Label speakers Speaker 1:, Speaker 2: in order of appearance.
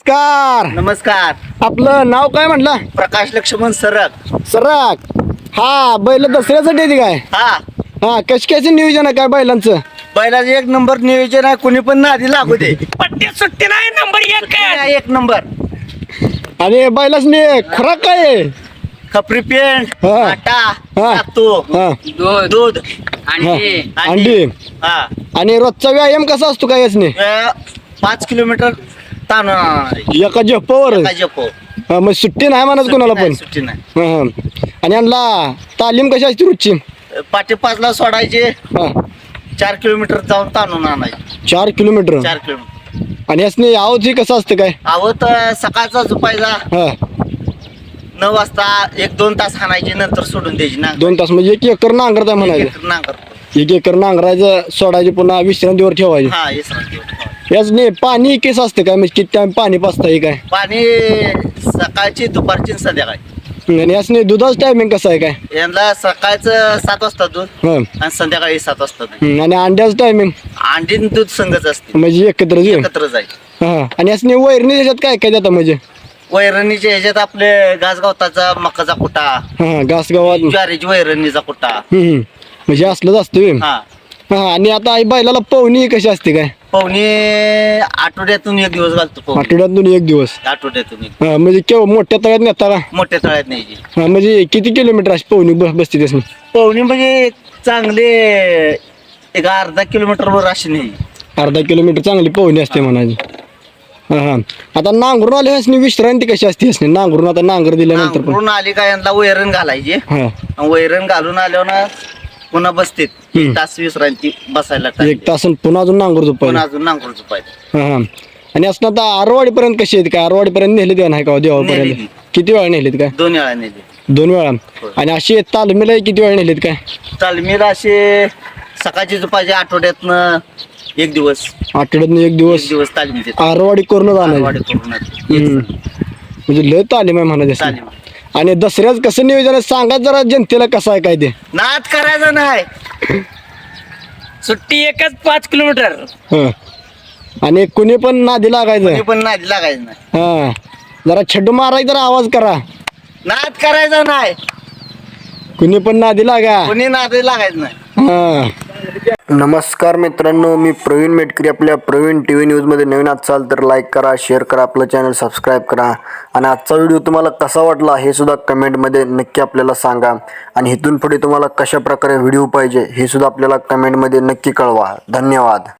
Speaker 1: नमस्कार.
Speaker 2: नमस्कार.
Speaker 1: आपलं नाव काय म्हटलं?
Speaker 2: प्रकाश लक्ष्मण सरक.
Speaker 1: सराक. हा बैल दसऱ्यासाठी येते काय? हा कशा नियोजन आहे काय बैलांचं?
Speaker 2: बैलाचं एक नंबर नियोजन आहे, कुणी पण नादी लागू दे.
Speaker 3: पट्टी सुट्टी नाही, नंबर एक काय.
Speaker 2: एक नंबर.
Speaker 1: आणि बैलासनी खुराक काय आहे?
Speaker 2: खपरी पेंट,
Speaker 1: हा.
Speaker 2: आटा,
Speaker 1: हा.
Speaker 2: सातू,
Speaker 1: हा,
Speaker 2: दूध,
Speaker 1: हा.
Speaker 3: अंडी
Speaker 1: अंडी.
Speaker 2: हा.
Speaker 1: आणि रोजचा व्यायाम कसा असतो काय यासनी?
Speaker 2: 5 किलोमीटर ताण
Speaker 1: एका झेपावर?
Speaker 2: जपो.
Speaker 1: हा, मग सुट्टी नाही म्हणत कोणाला पण.
Speaker 2: सुट्टी नाही.
Speaker 1: हा, हा. आणि यांना तालीम कशी असते रोजची?
Speaker 2: पाटे 5ला सोडायचे,
Speaker 1: हा
Speaker 2: 4 किलोमीटर जाऊन ताणून आणायचे.
Speaker 1: 4 किलोमीटर.
Speaker 2: 4 किलोमीटर.
Speaker 1: आणि यासनी आवची कसं असतं काय?
Speaker 2: आवत सकाळचा झोपायचा
Speaker 1: हा
Speaker 2: 9 वाजता 1-2 तास हाणायचे, नंतर सोडून द्यायची ना.
Speaker 1: 2 तास म्हणजे 1 एकर नांगरता म्हणायचं.
Speaker 2: नांगर.
Speaker 1: 1 एकर नांगरायचं, सोडायचे, पुन्हा विश्रांतीवर ठेवायचे.
Speaker 2: हा विश्रांती.
Speaker 1: याच नाही पाणी केस असते काय? म्हणजे किती टाइम पाणी पाचता काय?
Speaker 2: पाणी सकाळची, दुपारची, आणि संध्याकाळी.
Speaker 1: आणि याच नाही दुधाचं टायमिंग कसं आहे काय?
Speaker 2: यांना सकाळचं 7 वाजता दूध
Speaker 1: हा.
Speaker 2: आणि संध्याकाळी 7 वाजता दूध.
Speaker 1: आणि अंड्याचं टायमिंग
Speaker 2: अंडी आणि दूध संघच असते,
Speaker 1: म्हणजे एकत्र
Speaker 2: एकत्र जाईल.
Speaker 1: हा. आणि याच नाही वैरणी त्याच्यात काय काय देतात म्हणजे?
Speaker 2: वैरणीच्या ह्याच्यात आपले घासगावताचा मकाचा कुटा,
Speaker 1: हा घास गावात.
Speaker 2: ज्वारीची वैरणीचा कुटा.
Speaker 1: म्हणजे असलंच असतं व्हय.
Speaker 2: हा.
Speaker 1: हा. आणि आता आई बैलाला पवनी कशी असते काय?
Speaker 2: पाहुणे आठवड्यातून 1 दिवस घालतो पाहुणे.
Speaker 1: आठवड्यातून 1 दिवस.
Speaker 2: आठवड्यातून 1.
Speaker 1: हा म्हणजे केव्हा मोठ्या तळ्यात नेता का?
Speaker 2: मोठ्या तळ्यात न्यायची.
Speaker 1: हा म्हणजे किती किलोमीटर अशी पवनी बसते त्यासनी?
Speaker 2: पाहुणे म्हणजे चांगले एक अर्धा किलोमीटर वर अशी नाही.
Speaker 1: अर्धा किलोमीटर चांगली पवनी असते म्हणायची. हा हा. आता नांगरून आले असणे विश्रांती कशी असते असणे? नांगरून आता नांगर दिल्यानंतर पण.
Speaker 2: नांगरून आली का यांना वैरण घालायची.
Speaker 1: हा
Speaker 2: वैरण घालून आल्यावर ना पुन्हा बसतेत. 1 तास विश्रांती बसायला टाइम.
Speaker 1: 1 तास आणि पुन्हा अजून नांगर
Speaker 2: पुन्हा
Speaker 1: झोपायला.
Speaker 2: अजून नांगरून झोपायचं.
Speaker 1: हा हा. आणि असं आता आरवाडी पर्यंत कशी आहेत काय? आरवाडी पर्यंत नेले ते नाही का देवापर्यंत?
Speaker 2: नेलेली.
Speaker 1: किती वेळा नेलेत काय?
Speaker 2: 2 वेळा नेली.
Speaker 1: 2 वेळा. आणि अशी तालमीला किती वेळा नेलेत काय?
Speaker 2: तालमीला असे सकाळची झोपायचे आठवड्यातनं 1 दिवस.
Speaker 1: आठवड्यातून 1
Speaker 2: 1
Speaker 1: दिवस
Speaker 2: दिवस तालीम.
Speaker 1: आरवाडी करून
Speaker 2: वाढी
Speaker 1: आणायची.
Speaker 2: करून
Speaker 1: म्हणजे लय तालीम आहे म्हणायचं.
Speaker 2: तालीम.
Speaker 1: आणि दसऱ्याच कसं नियोजन आहे सांगा जरा जनतेला कसं आहे काय ते?
Speaker 2: नाद करायचा नाही.
Speaker 3: सुट्टी एकच 5 किलोमीटर.
Speaker 1: हा. आणि कुणी पण नादी लागायचं.
Speaker 2: कोणी पण नाद लागायचं नाही.
Speaker 1: हा जरा छड्डू मारायचा जरा आवाज करा.
Speaker 2: नाद करायचा नाही.
Speaker 1: कुणी पण नादी लागा.
Speaker 2: कोणी नाद लागायचं नाही.
Speaker 1: हा. नमस्कार मित्रांनो, मी प्रवीण मेटकरी. आपल्या प्रवीण टी व्ही न्यूजमध्ये नवीन असाल तर लाईक करा, शेअर करा, आपलं चॅनल सबस्क्राईब करा. आणि आजचा व्हिडिओ तुम्हाला कसा वाटला हे सुद्धा कमेंटमध्ये नक्की आपल्याला सांगा. आणि इथून पुढे तुम्हाला कशा प्रकारे व्हिडिओ पाहिजे हे सुद्धा आपल्याला कमेंटमध्ये नक्की कळवा. धन्यवाद.